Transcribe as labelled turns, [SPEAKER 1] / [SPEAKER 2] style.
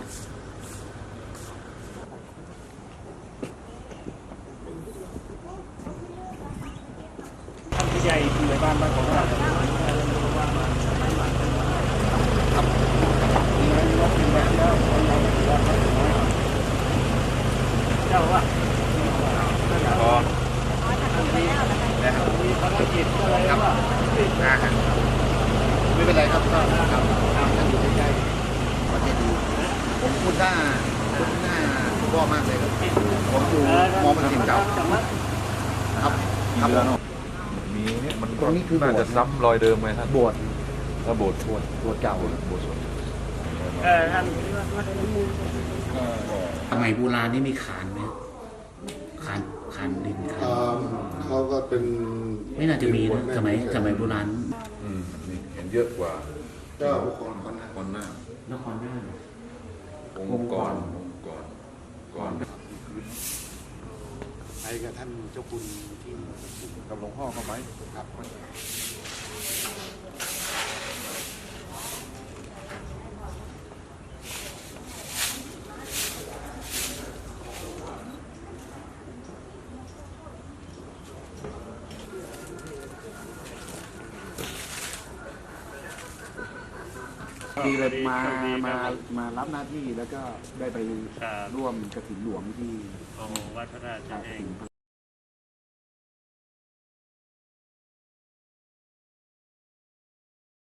[SPEAKER 1] ท่านผู้ใหญ่ผู้ใหญ่บ้านของเราเจ้าว่าพอมีภารกิจอะไรวะ
[SPEAKER 2] ไม่เป็นไรครับก็ครับท่านอยู่ใกล้ๆประเทศดีผมคุ้นหน้าพ่อมากเลยครับผมอยู่มอมันสินเก่าครับครับ
[SPEAKER 3] มีเนี่ยมัน
[SPEAKER 2] ตรงนี้คือโบสถ์
[SPEAKER 3] น่าจะซ้ำรอยเดิมไหมท่าน
[SPEAKER 2] โบสถ์
[SPEAKER 3] ถ้าโบสถ์
[SPEAKER 2] เก่า
[SPEAKER 3] โบสถ์
[SPEAKER 1] ท่าน
[SPEAKER 4] สมัยโบราณนี่มีขานไหมขานดินขาน
[SPEAKER 5] เขาก็เป็น
[SPEAKER 4] ไม่น่าจะมีนะสมัยโบราณ
[SPEAKER 3] นี่เห็นเยอะกว่า
[SPEAKER 5] ก็บุคคลคนนั้น
[SPEAKER 3] คนหน้าน
[SPEAKER 4] ครหน้า
[SPEAKER 3] องค์กรก่อน
[SPEAKER 5] ไปกับท่านเจ้าคุณที่
[SPEAKER 3] กับหลวงพ่อเข้าไหม
[SPEAKER 5] ครับ
[SPEAKER 2] ดีเลยมารับหน้าที่แล้วก็ได้ไปร่วมกฐินหลวงที่
[SPEAKER 1] วัดพระราช
[SPEAKER 2] ก
[SPEAKER 1] เอ
[SPEAKER 2] ฐิ
[SPEAKER 1] ง
[SPEAKER 2] นพระ